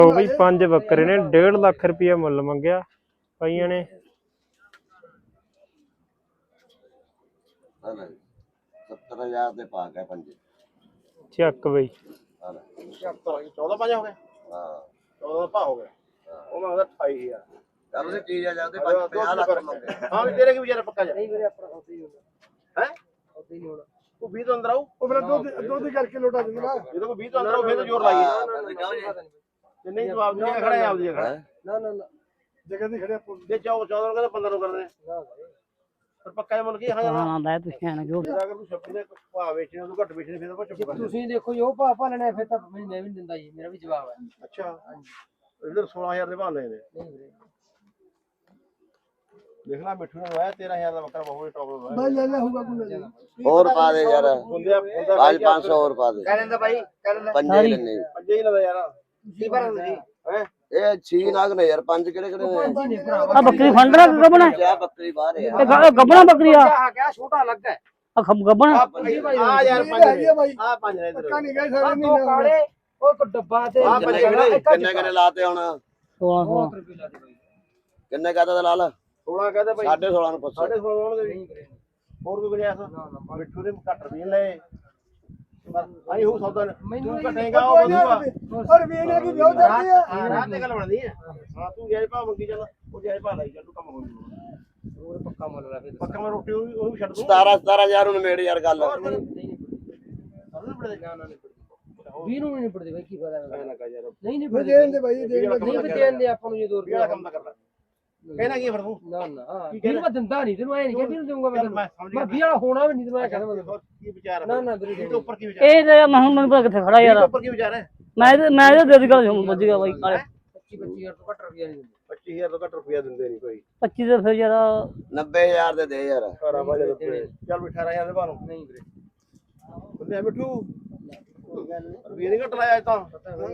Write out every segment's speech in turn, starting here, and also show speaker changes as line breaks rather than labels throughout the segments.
ਉਹ ਵੀ 5 ਬੱਕਰੇ ਨੇ 1.5 ਲੱਖ ਰੁਪਇਆ ਮੁੱਲ ਮੰਗਿਆ ਕਈਆਂ ਨੇ।
70,000 ਦੇ ਪਾ ਗਏ ਪੰਜੇ।
ਚੱਕ ਬਈ
14 5 ਹੋ ਗਏ। ਹਾਂ 14 ਭਾ ਹੋ ਗਿਆ। ਉਹ ਮੈਂ ਉਹਦਾ 28,000
ਚੱਲ ਉਹਦੀ ਚੀਜ਼ ਆ ਜਾਂਦੇ 50 ਲੱਖ ਮੰਗੇ।
ਹਾਂ ਵੀ ਤੇਰੇ ਕੀ ਵਿਚਾਰਾ ਪੱਕਾ ਜਾ।
ਨਹੀਂ ਵੀਰੇ ਆਪਣਾ ਉੱਥੇ ਹੀ ਹੋਣਾ।
ਹੈ
ਉੱਥੇ ਹੀ ਨਹੀਂ ਹੋਣਾ।
ਉਹ 20 ਤੋਂ ਅੰਦਰ ਆਉ।
ਉਹ ਮੇਰਾ ਦੁੱਧ ਕਰਕੇ ਲੋਟਾ ਦਿੰਦਾ।
ਜਦੋਂ ਕੋਈ 20 ਤੋਂ ਅੰਦਰ ਆਉ ਫਿਰ ਤਾਂ ਜ਼ੋਰ ਲਾਈਏ। ਜੇ ਨਹੀਂ ਜਵਾਬ ਦੇ ਖੜਾ ਹੈ ਆਪਦੀ ਜਗ੍ਹਾ।
ਨਾ ਨਾ ਨਾ
ਜਗ੍ਹਾ ਤੇ ਖੜਿਆ
ਜੇ 14 ਨੂੰ ਕਹਿੰਦਾ 15 ਨੂੰ ਕਰਦੇ ਪਰ ਪੱਕਾ ਜਿਹਾ ਮੁੱਲ ਕੀ ਹਾਂ
ਹਾਂ ਲੈ ਤੁਸੀਂ ਐਂ ਜੋ
ਅਗਰ ਤੂੰ ਛੱਪੀ ਦੇ ਭਾਅ ਵੇਚਣੇ ਤੂੰ ਘੱਟ ਵੇਚਣੇ ਫਿਰ ਆਪਾਂ ਚੁੱਪ ਕਰ
ਤੁਸੀਂ ਦੇਖੋ ਜੋ ਭਾਅ ਲੈਣਾ ਫਿਰ ਤਾਂ ਮੈਂ ਵੀ ਨਹੀਂ ਦਿੰਦਾ ਜੀ। ਮੇਰਾ ਵੀ ਜਵਾਬ ਹੈ।
ਅੱਛਾ ਇਧਰ 16,000 ਦੇ ਭਾਅ ਲਏ ਨੇ।
ਨਹੀਂ ਵੀਰੇ
ਦੇਖ ਲੈ ਮਿੱਠੂ ਨੇ ਆਇਆ 13,000 ਦਾ ਬੱਕਰਾ ਬਹੁਤ ਟੌਪ ਦਾ
ਬਾਈ ਲੈ ਹੋਊਗਾ ਕੋਈ
ਹੋਰ ਪਾ ਦੇ ਯਾਰ
ਹੁੰਦੇ
ਅੱਜ 500 ਹੋਰ ਪਾ ਦੇ।
ਕਹਿੰਦਾ ਬਾਈ ਕਹਿੰਦਾ
ਪੰਜੇ ਲੈਣੇ
ਪੰਜੇ ਹੀ ਲਵੇ ਯਾਰ
ਕੀ ਭਰ ਤੁਸੀਂ
ਹੈ
ਇਹ 6 ਨਾਗ ਨੇ ਯਾਰ ਪੰਜ ਕਿਹੜੇ ਕਿਹੜੇ ਨੇ?
ਆ ਬੱਕਰੀ ਫੰਡਰਾ ਗੱਬਣਾ
ਕਿਆ ਬੱਕਰੀ ਬਾਹਰ ਹੈ
ਇਹ ਗੱਬਣਾ ਬੱਕਰੀ ਆ
ਕਿਆ ਛੋਟਾ ਲੱਗਾ ਹੈ।
ਆ ਗੱਬਣਾ
ਆ ਯਾਰ ਪੰਜ
ਬਾਈ
ਆ ਪੰਜ ਨੇ ਇਧਰ
ਪੱਕਾ ਨਹੀਂ ਗਏ ਸਾਰੇ
ਆਹ
ਨਹੀਂ
ਦੋ ਕਾਲੇ ਉਹ ਇੱਕ ਡੱਬਾ ਤੇ
ਆਹ
ਕਿੰਨੇ ਕਿਹੜੇ ਕਿੰਨੇ ਕਿੰਨੇ ਲਾਤੇ ਹੁਣ
16
ਰੁਪਏ ਲਾ ਦੇ ਬਾਈ।
ਕਿੰਨੇ ਕਹਤਾ ਤਾਂ ਲਾ ਲਾ
16 ਕਹਦੇ ਭਾਈ
16.5 ਨੂੰ ਪੁੱਛ
16.5 ਹੋਣਗੇ ਵੀ ਹੋਰ ਕੋਈ ਗੁੰਜਾਇਸ਼ ਮਿੱਠੂ ਦੇ ਘੱਟ ਰੁਪਏ ਲਏ ਆਈ ਹੋ ਸੌਦਾ ਤੂੰ ਘਟੇਗਾ ਉਹ ਵਧੂਗਾ
ਔਰ ਵੀ ਇਹਨਾਂ ਕੀ ਵਿਆਹ ਜਾਂਦੀ ਹੈ।
ਹਾਂ ਰਾਤ ਤੇ ਗੱਲ ਬਣਦੀ ਹੈ। ਹਾਂ ਤੂੰ ਜਾਇਜ਼ ਭਾਅ ਮੰਗੀ ਚੱਲ ਉਹ ਜਾਇਜ਼ ਭਾਅ ਲਾਈ ਚੱਲ ਤੂੰ ਕੰਮ ਹੋ ਜੂਗਾ
ਹੋਰ ਪੱਕਾ ਮੁੱਲ ਲਾ ਫਿਰ
ਪੱਕਾ ਮੈਂ ਰੋਟੀ ਉਹ ਵੀ ਛੱਡ ਦੂੰ
17,000 ਨੂੰ ਮੇੜ ਯਾਰ ਗੱਲ
ਨਾ ਨਾ ਨਹੀਂ 20 ਨੂੰ ਨਹੀਂ ਪੜਦੇ ਬਾਈ ਕੀ ਫਾਇਦਾ ਨਹੀਂ ਨਹੀਂ
ਮੈਂ
ਪੜਦੇ
ਦੇਣ ਦੇ ਬਾਈ ਦੇਣ
ਨਹੀਂ ਵੀ ਦੇਣ ਦੇ ਆਪਾਂ ਨੂੰ ਜੇ 2
ਰੁਪਏ ਵਾਲਾ ਕੰਮ ਤਾਂ ਕਰ ਲੈ ਕਹਿਣਾ ਕੀ ਫਿਰ ਤੂੰ
ਨਾ ਨਾ ਵੀਰ ਮੈਂ ਦਿੰਦਾ ਨਹੀਂ ਤੈਨੂੰ ਐ ਨਹੀਂ ਕਹਿੰਦੀ ਦਊਂਗਾ ਮੈਂ ਤੈਨੂੰ ਮੈਂ 20 ਵਾਲਾ ਹੋਣਾ ਵੀ ਨਹੀਂ ਤੈਨੂੰ ਐ ਕਹਿੰਦਾ ਮੈਂ
ਕੀ ਵਿਚਾਰ ਹੈ
ਨਾ ਨਾ ਵੀਰੇ
ਇਹਦੇ ਉੱਪਰ ਕੀ ਵਿਚਾਰ
ਇਹ ਤੇ ਮੈਂ ਹੁਣ ਮੈਨੂੰ ਪਤਾ ਕਿੱਥੇ ਖੜਾ ਯਾਰ
ਇਹਦੇ ਉੱਪਰ ਕੀ ਵਿਚਾਰ ਹੈ
ਮੈਂ ਇਹਦੇ ਦੇ ਦਿਗਾ ਸਮਝ ਗਿਆ ਬਾਈ ਕਾਲੇ
25,000 ਤੋਂ ਘੱਟ ਰੁਪਿਆ ਨਹੀਂ ਦਿੰਦੇ
25,000 ਤੋਂ ਘੱਟ ਰੁਪਇਆ ਦਿੰਦੇ ਨਹੀਂ ਕੋਈ
25 ਦੇ ਫਿਰ ਯਾਰ
90,000 ਦੇ ਦੇ ਯਾਰ
ਘਰਾਂ ਵਾਲੇ ਚੱਲ 18,000 ਦੇ ਬਾਹਰੋਂ
ਨਹੀਂ ਵੀਰੇ
ਬੰਦੇ ਮਿੱਠੂ ਰੁਪਏ ਨਹੀਂ ਘੱਟ ਲਾਇਆ ਤਾਂ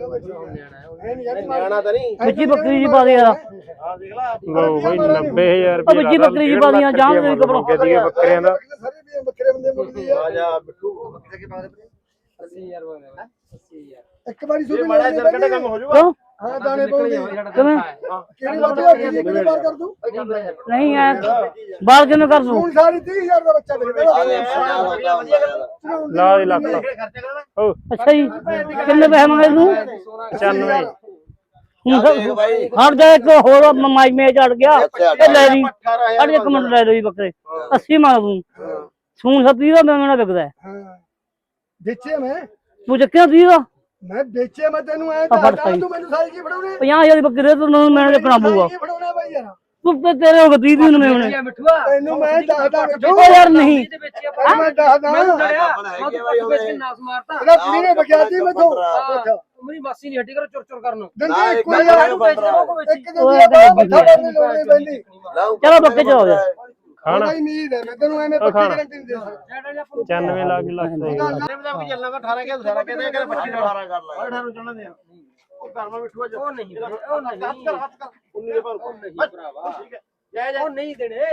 ਨਿਆਣਾ ਤਾਂ ਨਹੀਂ
ਵਿੱਚੀ ਬੱਕਰੀ ਜੀ ਪਾ ਦੇ ਯਾਰ
ਆ ਦੇਖ ਲੈ
ਲੋ ਬਈ 90,000
ਉਹ ਵਿੱਚੀ ਬੱਕਰੀ ਜੀ ਪਾ ਦੀਆਂ ਜਾਣ ਦੇ ਕਬਰੋਂ
ਬੱਕਰਿਆਂ ਦਾ
ਸਾਰੇ ਵੀ ਬੱਕਰੇ ਬੰਦੇ ਮੁੱਕਦੀ ਆ।
ਆ ਜਾ ਮਿੱਠੂ ਕਿੱਥੇ ਪਾ ਦੇ
80000 ਬੋਲਦਾ 80000
ਇੱਕ ਵਾਰੀ
ਜੇ
ਸੁਣ
ਮਾੜਾ ਜਿਹਾ ਕੱਢੇ ਕੰਮ ਹੋ ਜਾਊਗਾ
ਹਾਂ ਦਾਣੇ ਪਾਉਂਦੇ
ਕਿਵੇਂ
ਕਿਹੜੀ ਬਾਤ ਹੈ ਕਿੰਨੀ ਵਾਰ ਕਰ ਦੂੰ
ਨਹੀਂ ਐ ਬਾਲ ਕਿਵੇਂ ਕਰ ਦੂੰ
ਹੁਣ ਸਾਰੀ 30,000 ਦਾ ਬੱਚਾ ਮੇਰੇ
ਆ ਦੇ 50 ਹੁੰਦਾ ਯਾਰ
ਲਾ ਦੇ ਲੱਖ
ਖਰਚੇ ਕਰਨਾ
ਉਹ
ਅੱਛਾ ਜੀ ਕਿੰਨੇ ਪੈਸੇ ਮੰਗੇ ਤੂੰ
95
ਚੱਲ ਦੇਖ ਬਾਈ
ਹਟ ਜਾ ਇੱਕ ਹੋਰ ਮਾਈ ਮੇ ਚੜ ਗਿਆ ਇਹ ਲੈ ਲਈ ਅੜ ਇੱਕ ਮਿੰਟ ਲੈ ਲਈ ਬੱਕਰੇ 80 ਮੰਗ ਦੂੰ ਸੂਣ 70 ਦਾ ਮੇਰਾ ਵਿਕਦਾ
ਹਾਂ ਵੇਚੇ ਮੈਂ
ਤੂੰ ਚੱਕਿਆ 30 ਦਾ
ਮੈਂ ਵੇਚੇ ਮੈਂ ਤੈਨੂੰ ਐ
ਫੜ
ਦੱਸਦਾ
ਸਹੀ।
ਤੂੰ ਮੈਨੂੰ ਸਾਈ ਕੀ ਫੜਾਉਣੇ
50,000 ਦੀ ਬੱਕਰੀ ਤੂੰ ਮੈਨੂੰ ਚੱਕਣਾ ਪਊਗਾ
ਕੀ ਫੜਾਉਣਾ ਬਾਈ ਯਾਰ
ਤੂੰ ਤੇ ਤੇਰੇ ਹੋ ਗਏ 30 ਨੂੰ ਮੇਵਣੇ
ਮਿੱਠੂਆ
ਤੈਨੂੰ ਮੈਂ ਦੱਸਦਾ
ਉਹ ਯਾਰ ਨਹੀਂ
ਦੇ ਵਿੱਚ ਆਪਾਂ
ਮੈਂ ਦੱਸਦਾ
ਮੈਨੂੰ ਡਰਿਆ
ਆਪਣਾ
ਮੈਂ
ਹੈਗੀ
ਤਾਂ
ਬਾਈ
ਵੇਚ ਕੇ
ਉਹਨੇ
ਨਾਸ ਮਾਰਤਾ
ਇਹਦਾ ਕੁੜੀ ਨੇ ਬਗਿਆਤੀ ਮੈਥੋਂ
ਮੇਰੀ ਮਾਸੀ ਨਹੀਂ ਹੱਟੀ ਕਰੋ ਚੁਰ ਚੁਰ ਕਰਨ
ਦੰਦੇ ਕੋਈ
ਮੈਂ
ਯਾਰ
ਤੈਨੂੰ ਵੇਚ ਰਿਹਾ
ਇੱਕ ਦੂਜੇ ਦਾ ਮੱਥਾ ਬੰਨ੍ਹਣ ਲੋੜ ਨਹੀਂ ਪੈਂਦੀ
ਚਲੋ ਬੱਕੇ ਚ ਹੋ ਜਾ
ਖਾਣਾ
ਉਹਦਾ ਹੀ ਉਮੀਦ ਹੈ ਮੈਂ ਤੈਨੂੰ ਐਵੇਂ ਪੱਕੀ ਗਾਰੰਟੀ ਨਹੀਂ ਦੇ ਸਕਦਾ
95 ਲੱਖ ਲੱਖ ਦਾ ਹੀ ਹੋਊਗਾ।
ਇਹਦਾ ਵੀ ਚੱਲਣਾ 18 ਕੇ ਸਾਰਾ ਕਹਿੰਦੇ ਕਿ 25
18 ਕਰ ਲੈ
18 ਨੂੰ ਚੱਲਣ ਦੇ ਉਹ ਘਰ ਮਾ ਮਿੱਠੂਆ
ਉਹ ਨਹੀਂ ਉਹ ਨਹੀਂ
ਹੱਥ ਕਰ 19 ਦੇ ਪਰ
ਨਹੀਂ ਭਰਾਵਾ
ਠੀਕ ਹੈ ਜੈ ਜੈ
ਉਹ ਨਹੀਂ ਦੇਣੇ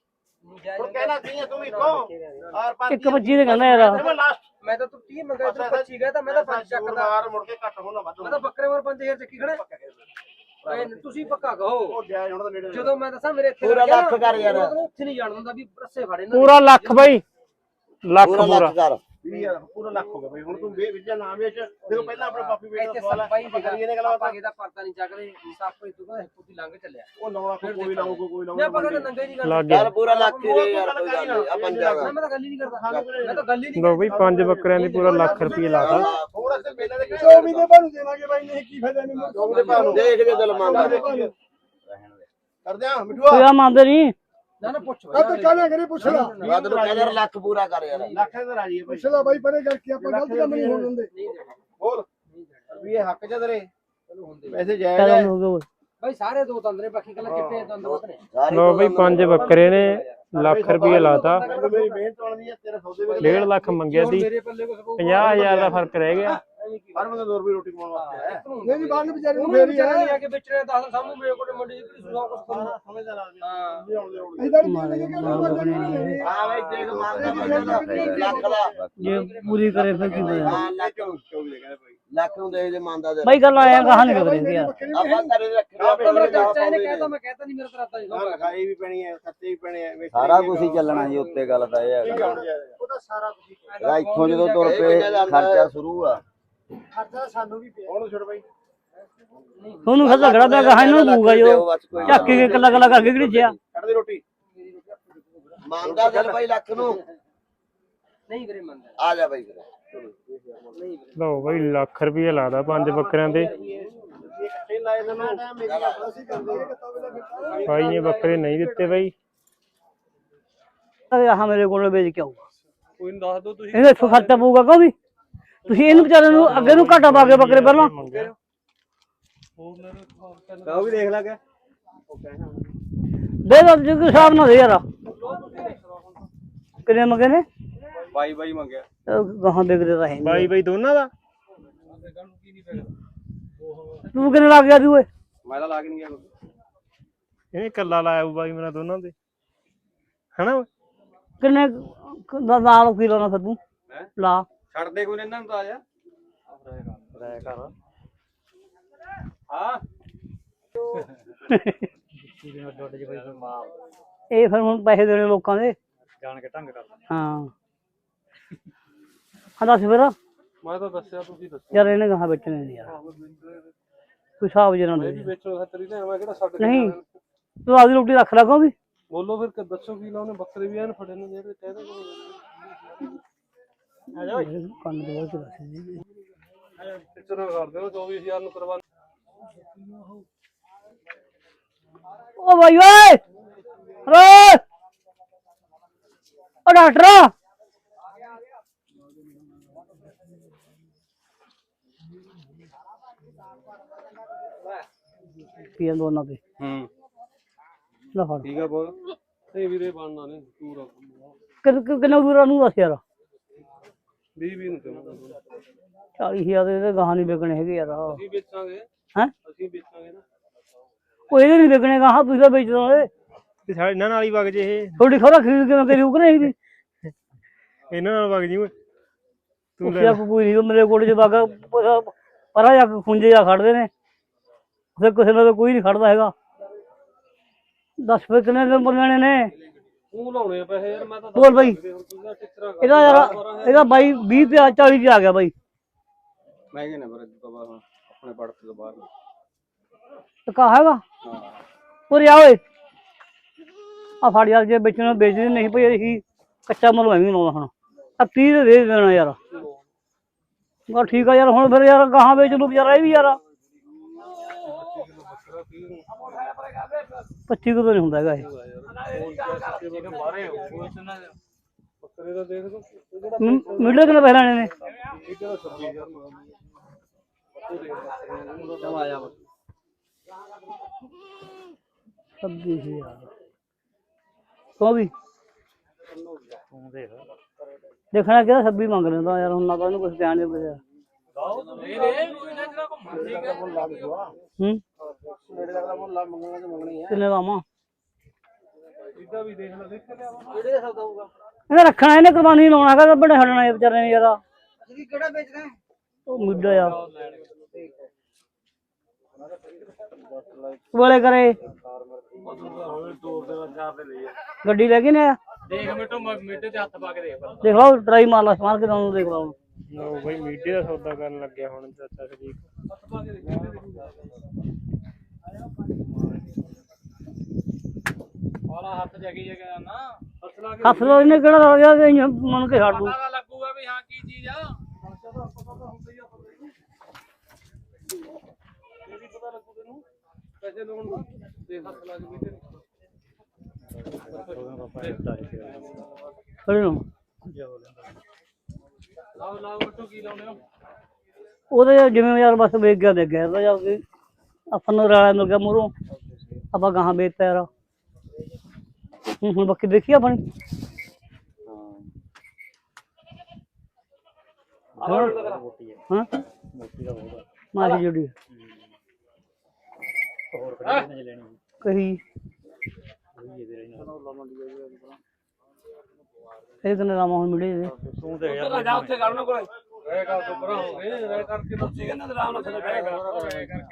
ਹੁਣ ਕਹਿਣਾ ਕੀ ਹੈ ਤੂੰ ਇੱਕੋ ਔਰ 5
ਇੱਕ 25 ਦੇ ਕਹਿੰਦਾ ਯਾਰ
ਮੈਂ ਲਾਸਟ
ਮੈਂ ਤਾਂ ਤੂੰ 30 ਮੰਗਿਆ ਤੂੰ 25 ਗਿਆ ਤਾਂ ਮੈਂ ਤਾਂ 5 ਚੱਕਦਾ
ਮਾਰ ਮੁੜ ਕੇ ਘੱਟ ਹੋਣਾ ਵੱਧ
ਮੈਂ ਤਾਂ ਬੱਕਰੇ ਵਾਰ 5000 ਚੱਕੀ ਖੜੇ ਤੁਸੀਂ ਪੱਕਾ ਕਹੋ
ਉਹ ਜੈ ਹੁਣ ਤਾਂ ਨੇੜੇ
ਜਦੋਂ ਮੈਂ ਦੱਸਾਂ ਮੇਰੇ ਇੱਥੇ
ਪੂਰਾ ਲੱਖ ਕਰ ਯਾਰ
ਉੱਥੇ ਨਹੀਂ ਜਾਣ ਦਿੰਦਾ ਵੀ ਰੱਸੇ ਫੜੇ ਨਾ
ਪੂਰਾ ਲੱਖ ਬਈ ਲੱਖ
ਪੂਰਾ
ਪੂਰਾ
ਲੱਖ ਕਰ
20000 ਪੂਰਾ ਲੱਖ ਹੋ ਗਿਆ ਬਈ ਹੁਣ ਤੂੰ ਵੇਚਿਆ ਨਾ ਵੇਚ ਦੇਖੋ ਪਹਿਲਾਂ ਆਪਣੇ ਪਾਪੀ ਵੇਚ ਦਾ
ਇੱਥੇ
ਸਵਾਲ
ਸੱਪਾਈ
ਹੈ ਕਰੀਏ ਨੇ ਗੱਲਾਂ
ਆਪਾਂ ਇਹਦਾ ਪਰਤਾ ਨਹੀਂ ਚੱਕਦੇ ਸੱਪ ਇਤੋਂ ਦਾ ਪੁੱਤੀ ਲੰਘ ਚੱਲਿਆ
ਉਹ ਲਾਉਣਾ ਕੋਈ ਲਾਉ ਕੋਈ
ਮੈਂ
ਲਾਉ
ਆਪਾਂ ਕਹਿੰਦੇ ਨੰਗਾ ਹੀ ਨਹੀਂ
ਲੱਗ
ਕਰਦਾ
ਗਿਆ
ਯਾਰ ਪੂਰਾ ਲੱਖ ਹੀ ਦੇ ਯਾਰ ਕੋਈ ਗੱਲ ਨਹੀਂ ਆ ਪੰਜਾ ਦਾ
ਮੈਂ ਤਾਂ ਗੱਲ ਹੀ ਨਹੀਂ ਕਰਦਾ ਮੈਂ ਤਾਂ ਗੱਲ ਹੀ ਨਹੀਂ
ਲੋ ਬਈ 5 ਬੱਕਰਿਆਂ ਦੀ ਪੂਰਾ ਲੱਖ ਰੁਪਏ ਲਾਤਾ
ਹੋਰ ਅਸੇ ਪਹਿਲਾਂ ਦੇ
24 ਦੇ ਬਾਅਦ ਦੇਵਾਂਗੇ ਬਾਈ ਨਹੀਂ ਕੀ ਫਾਇਦਾ ਮੈਨੂੰ
24 ਦੇ ਭਾਅ ਨੂੰ
ਦੇਖ ਜੇ ਦਿਲ ਮੰਗਦਾ
ਕਰਦੇ ਆ ਮਿੱਠੂਆ
ਤੂੰ ਆ ਮੰਨਦੇ ਨਹੀਂ
ਨਾ ਪੁੱਛ
ਆ ਤੂੰ ਕਾਹਨਾ ਕਰੀ ਪੁੱਛ ਲਾ
ਵੱਧ ਨੂੰ ਕਹਿੰਦਾ ਲੱਖ ਪੂਰਾ ਕਰ ਯਾਰ
ਲੱਖ ਦੇ ਰਾਜੀ ਹੈ ਭਾਈ
ਪੁੱਛ ਲਾ ਬਾਈ ਪਰੇ ਕਰਕੇ ਆਪਾਂ ਗਲਤ ਕੰਮ ਨਹੀਂ ਹੋਣ ਦਿੰਦੇ
ਹੋਰ ਵੀ ਇਹ ਹੱਕ ਚ ਤੇਰੇ
ਚਲੋ ਹੁੰਦੇ
ਪੈਸੇ ਜਾਇਜ਼
ਚੱਲ
ਹੈ
ਹੋ ਗਿਆ ਓਏ।
ਬਾਈ ਸਾਰੇ ਦੋ ਤੰਦਰੇ ਬਾਕੀ ਕੱਲਾ ਚਿੱਟੇ ਦੰਦ ਵਤਨੇ
ਲੋ ਬਈ 5 ਬੱਕਰੇ ਨੇ ਲੱਖ ਰੁਪਏ ਲਾਤਾ
ਮੇਰੀ ਮਿਹਨਤ ਵਾਲੀ ਹੈ ਤੇਰੇ ਸੌਦੇ ਵੇਲੇ
1.5 ਲੱਖ ਮੰਗਿਆ ਸੀ
ਮੇਰੇ ਪੱਲੇ ਕੁਛ
50,000 ਦਾ ਫਰਕ ਰਹਿ ਗਿਆ
ਹਰ ਬੰਦਾ 2 ਰੁਪਏ ਰੋਟੀ ਕਮਾਉਣ ਵਾਸਤੇ ਹੈ
ਨਹੀਂ ਨਹੀਂ ਬਾਹਰ ਨੂੰ ਵਿਚਾਰੇ ਨੂੰ
ਉਹਨੂੰ
ਫੇਰ ਹੀ
ਵਿਚਾਰਾ ਨਹੀਂ
ਆ
ਆ ਕੇ ਵੇਚਣੇ 10 ਸਾਹਮਣੇ ਮੇਰੇ ਕੋਲ ਮੰਡੀ ਦੀ ਕਿਹੜੀ ਸੁਣਾ ਕੁਛ ਕਰਨਾ
ਸਮਝਦਾ ਲਾ ਨਹੀਂ ਆਉਂਦੇ ਆਉਂਦੇ
ਇਧਰ ਵੀ ਲੱਗੇ ਕਿ ਉਹ ਬੰਦੇ ਨਹੀਂ ਲੈਣੇ
ਹਾਂ ਬਾਈ ਦੇਖ ਮੰਗਦਾ ਲੱਖ ਦਾ
ਜੇ ਪੂਰੀ ਕਰੇ ਫਿਰ ਕੀ ਹੋਇਆ
ਹਾਂ ਲੱਖ
24 ਦੇ ਕਹਿੰਦੇ ਭਾਈ
ਲੱਖ ਨੂੰ ਦੇ ਦੇ ਮੰਨਦਾ ਦੇ
ਬਾਈ ਗੱਲ ਆਇਆ ਕਹਾਂ ਨਹੀਂ ਕਰੀ ਯਾਰ
ਆਪਾਂ ਘਰੇ ਰੱਖਿਆ
ਆਪਣਾ ਮੇਰਾ ਚਾਚਾ ਇਹਨੇ ਕਹਿਤਾ ਮੈਂ ਕਹਿਤਾ ਨਹੀਂ ਮੇਰਾ ਤਰਾਤਾ ਜੀ
ਲਿਖਾਈ ਵੀ ਪੈਣੀ ਹੈ ਖੱਤੇ ਵੀ ਪੈਣੇ ਆ
ਸਾਰਾ ਕੁਝ ਹੀ ਚੱਲਣਾ ਜੀ ਉੱਤੇ ਗੱਲ ਤਾਂ ਇਹ
ਠੀਕ
ਹੈ
ਆ ਉਹਦਾ ਸਾਰਾ ਕੁਝ
ਇਹਦਾ ਇੱਥੋਂ ਜਦੋਂ ਤੁਰ ਪਏ ਖਰਚਾ ਸ਼ੁਰੂ ਆ
ਖਰਚਾ ਸਾਨੂੰ ਵੀ ਪਿਆ
ਹੁਣ ਛੋੜ ਬਾਈ
ਤੁਹਾਨੂੰ ਖਾ ਝਗੜਾ ਪਿਆ ਕਹਾਂ ਇਹਨੂੰ ਬੂਗਾ ਜੋ ਚੱਕ ਕੇ ਕੱਲਾ ਕੱਲਾ ਕਰਕੇ ਕਿਹੜੀ ਜਿਆ
ਕੱਢ ਦੇ ਰੋਟੀ
ਮੰਨਦਾ ਦਿਲ ਬਾਈ ਲੱਖ ਨੂੰ
ਨਹੀਂ ਵੀਰੇ ਮੰਨਦਾ
ਆ ਜਾ ਬਾਈ ਫਿਰ
ਲਓ ਬਈ ਲੱਖ ਰੁਪਏ ਲਾਦਾ 5 ਬੱਕਰਿਆਂ ਦੇ
ਇਹ ਇਕੱਠੇ ਲਾਏ ਸਾਨੂੰ
ਮੇਰੀ ਆਪਣਾ ਸੀ ਕਰਦੇ
ਬਾਈ ਨੇ ਬੱਕਰੇ ਨਹੀਂ ਦਿੱਤੇ ਬਾਈ
ਆਹ ਮੇਰੇ ਕੋਲ ਵੇਚ ਕੇ ਆਊਗਾ ਕੋਈ ਨਹੀਂ ਦੱਸ ਦੋ ਤੁਸੀਂ ਇਹਦਾ ਇੱਥੋਂ ਖਰਚਾ ਪਊਗਾ ਕਿਉਂ ਵੀ ਤੁਸੀਂ ਇਹਨੂੰ ਵਿਚਾਰੇ ਨੂੰ ਅੱਗੇ ਨੂੰ ਘਾਟਾ ਪਾ ਕੇ ਬੱਕਰੇ ਪਹਿਲਾਂ
ਉਹ ਵੀ ਦੇਖ ਲਾ ਕੇ
ਦੇ ਦੋ ਜੀ ਹਿਸਾਬ ਨਾਲ ਦੇ ਯਾਰ ਕਿੰਨੇ ਮੰਗੇ ਨੇ
ਬਾਈ ਮੰਗਿਆ
ਗਾਹਾਂ ਵਿਕਦੇ ਤਾਂ ਹੈ ਨੀ।
ਬਾਈ ਬਾਈ ਦੋਨਾਂ ਦਾ
ਤੂੰ ਕਿੰਨੇ ਲੱਗ ਗਿਆ ਤੂੰ ਓਏ
ਮੈਂ ਤਾਂ ਲਾ ਕੇ ਨਹੀਂ ਗਿਆ
ਇਹਨੇ ਕੱਲਾ ਲਾਇਆ ਹੋਊ ਬਾਈ ਮੇਰਾ ਦੋਨਾਂ ਦੇ ਹਨਾ ਓਏ?
ਕਿੰਨੇ ਨਾਲ ਕਿਲੋ ਨਾ ਫਿਰ ਤੂੰ ਲਾ
ਛੱਡ ਦੇ ਕੋਈ ਇਹਨਾਂ ਨੂੰ ਤਾਂ ਆ ਜਾ
ਰਾਇ ਕਰ
ਹਾਂ
ਇਹ ਫਿਰ ਹੁਣ ਪੈਸੇ ਦੇਣੇ ਲੋਕਾਂ ਦੇ
ਜਾਣ ਕੇ ਢੰਗ ਕਰਦਾ
ਹਾਂ ਹਾਂ ਦੱਸ ਫਿਰ
ਮੈਂ ਤਾਂ ਦੱਸਿਆ ਤੁਸੀਂ ਦੱਸੋ
ਯਾਰ ਇਹਨੇ ਗਾਹਾਂ ਵੇਚਣੇ ਨਹੀਂ ਯਾਰ ਕੋਈ ਹਿਸਾਬ ਜਨਾ ਦੇ
ਵੇਚੋ ਖਤਰੀ ਲੈ ਮੈਂ ਕਿਹੜਾ ਛੱਡ
ਨਹੀਂ ਤੂੰ ਆਪਦੀ ਰੋਟੀ ਰੱਖ ਲਾ ਕਿਉਂ ਵੀ
ਬੋਲੋ ਫਿਰ ਦੱਸੋ ਕੀ ਲਾਉਣੇ ਬੱਕਰੇ ਵੀ ਐਨ ਫੜੇ ਨੇ ਜਿਹੜੇ ਕਹਿ ਦੇ
ਕੰਨ ਦੇ ਵਿੱਚ ਰੱਖ ਦੇ
ਟਿਚਰ ਕਰ ਦਿਓ 24000 ਨੂੰ ਕਰਵਾ
ਓ ਬਾਈ ਓਏ ਓ ਡਾਕਟਰ ਪੀਐਨ ਦੋਨਾਂ ਤੇ ਲੈ ਫੜ
ਠੀਕ ਆ ਬੋਲ ਨਹੀਂ ਵੀਰੇ ਬਣਨਾ ਨਹੀਂ ਪੂਰਾ
ਕਿੰਨਾ ਦੂਰਾਂ ਨੂੰ ਦੱਸ ਯਾਰ
20 ਨੂੰ ਚਾਹੁੰਦਾ
40000 ਦੇ ਤੇ ਗਾਹਾਂ ਨਹੀਂ ਵਿਕਣੇ ਹੈਗੇ ਯਾਰ
ਅਸੀਂ ਵੇਚਾਂਗੇ
ਹੈਂ
ਅਸੀਂ ਵੇਚਾਂਗੇ ਨਾ
ਉਹ ਇਹਦੇ ਨਹੀਂ ਵਿਕਣੇ ਗਾਹਾਂ ਤੁਸੀਂ ਤਾਂ ਵੇਚ ਦੋਗੇ
ਤੇ ਸਾਡੇ ਇਹਨਾਂ ਨਾਲ ਹੀ ਵਗ ਜੇ ਇਹ
ਥੋੜੀ ਖਰਾ ਖਰੀਦ ਕੇ ਮੈਂ ਕਰੀ ਉਕ ਨਹੀਂ ਵੀ
ਇਹਨਾਂ ਨਾਲ ਵਗ ਜੀ ਓਏ ਤੂੰ ਲੈ
ਉਸਿਆ ਕੋਈ ਨਹੀਂ ਮੇਰੇ ਕੋਲ ਜੇ ਵਗ ਪਰਾਂ ਜਾ ਕੇ ਖੁੰਝੇ ਜਾ ਖੜਦੇ ਨੇ ਫਿਰ ਕਿਸੇ ਨਾਲ ਕੋਈ ਨਹੀਂ ਖੜਦਾ ਹੈਗਾ 10 ਰੁਪਏ ਕਿੰਨੇ ਦੇ ਬੋਲਣੇ ਨੇ
ਤੂੰ ਲਾਉਣੇ ਆ ਪੈਸੇ ਯਾਰ ਮੈਂ ਤਾਂ
ਬੋਲ ਬਾਈ ਇਹਦਾ ਯਾਰ ਇਹਦਾ ਬਾਈ 20 ਤੇ 40 ਤੇ ਆ ਗਿਆ ਬਾਈ
ਮਹਿੰਗੇ ਨੇ ਪਰ ਤੋਂ ਬਾਅਦ ਆਪਣੇ ਪੜਤ ਤੋਂ ਬਾਹਰ
ਟਕਾ ਹੈਗਾ ਉਰੇ ਆ ਓਏ ਆ ਫੜ ਯਾਰ ਜੇ ਵੇਚਣਾ ਵੇਚਦੇ ਨਹੀਂ ਭਈ ਅਸੀਂ ਕੱਚਾ ਮੁੱਲ ਮੈਂ ਵੀ ਲਾਉਣਾ ਹੁਣ ਆ 30 ਦੇ ਦੇਣਾ ਯਾਰ ਗਾ ਠੀਕ ਆ ਯਾਰ ਹੁਣ ਫਿਰ ਯਾਰ ਗਾਹਾਂ ਵੇਚ ਲੂ ਵਿਚਾਰਾ ਇਹ ਵੀ ਯਾਰ 25 ਕਿਲੋ ਨਹੀਂ ਹੁੰਦਾ ਹੈਗਾ ਇਹ
ਬੱਕਰੇ ਦਾ ਦੇਖ ਲਓ
ਮਿਲਦੇ ਕਿੰਨੇ ਪੈਸੇ ਲੈਣੇ ਨੇ
ਇਹਦਾ 26000 ਆਇਆ
26000 ਕੋ ਵੀ ਦੇਖਣਾ ਕਿਹਦਾ 26 ਮੰਗ ਲੈਂਦਾ ਯਾਰ ਹੁਣ ਨਾ ਤਾਂ ਇਹਨੂੰ ਕੁਝ ਧਿਆਨ ਨਹੀਂ ਪਿਆ
ਨੇੜੇ ਲੱਗਦਾ ਮੁੱਲ ਮੰਗਣਾ ਤੇ ਮੰਗਣੀ ਹੈ
ਕਿੰਨੇ ਲਾਵਾਂ
ਇਹਦਾ ਵੀ ਦੇਖ ਲੈ ਦੇਖ ਲਿਆ
ਕਿਹੜੇ ਦਾ ਸੌਦਾ ਹੋਊਗਾ
ਇਹਨੇ ਰੱਖਣਾ ਇਹਨੇ ਕੁਰਬਾਨੀ ਲਾਉਣਾ ਹੈਗਾ ਬੜੇ ਛੱਡਣਾ ਇਹ ਵਿਚਾਰੇ ਨੇ ਯਾਰ
ਅਸੀਂ ਕਿਹੜਾ ਵੇਚਦੇ
ਉਹ ਮੁੱਢਾ ਯਾਰ ਵਾਲੇ ਕਰੇ ਗੱਡੀ ਲੈ ਕੇ ਨੇ ਆ
ਦੇਖ ਮਿੱਟੇ ਤੇ ਹੱਥ ਪਾ ਕੇ
ਦੇਖ ਲਓ ਟਰਾਈ ਮਾਰ ਲਾ ਸਮਾਰ ਕੇ ਤੁਹਾਨੂੰ ਦੇਖ ਲਓ
ਲਓ ਬਈ ਮੀਡੇ ਦਾ ਸੌਦਾ ਕਰਨ ਲੱਗਿਆ ਹੁਣ ਚਾਚਾ ਸ਼ਰੀਕ
ਵਾਲਾ ਹੱਥ ਜਗੀ ਜਗਾ ਨਾ ਫਸਲਾ
ਹੱਥ ਲੋ ਇਹਨੇ ਕਿਹੜਾ ਹੋ ਗਿਆ ਕਿ ਮਨ ਕੇ ਛੱਡ ਦੂ
ਲੱਗੂਗਾ ਵੀ ਹਾਂ ਕੀ ਚੀਜ਼ ਆ
ਪਤਾ ਲੱਗੂ ਤੈਨੂੰ ਪੈਸੇ ਲਾਉਣ ਦਾ ਦੇਖ ਹੱਥ ਲਾ ਕੇ ਬੈਠੇ
ਖੜੇ ਨੂੰ
ਲਾਓ ਬੱਟੂ ਕੀ ਲਾਉਣੇ ਹੋ
ਉਹਦੇ ਜਿਵੇਂ ਯਾਰ ਬਸ ਵੇਚ ਗਿਆ ਇਹਦਾ ਜਾ ਕੇ ਆਪਾਂ ਨੂੰ ਰਾਲਾ ਮਿਲ ਗਿਆ ਮੂਹਰੋਂ ਆਪਾਂ ਗਾਹਾਂ ਵੇਚਤਾ ਯਾਰ ਹੁਣ ਬਾਕੀ ਦੇਖੀ ਆਪਣੀ ਹਾਂ ਮਾਰੀ ਜੁੜੀ ਕਹੀ ਇਹ ਕਿੰਨੇ ਲਾਵਾਂ ਹੁਣ ਮਿਲੇ
ਜਾ ਉੱਥੇ ਕਰਨ ਕੋਲੇ
ਰਹਿ ਕਰਕੇ ਤੁਸੀਂ ਇਹਨਾਂ ਦੇ ਆਰਾਮ ਨਾਲ ਥੱਲੇ ਬਹਿ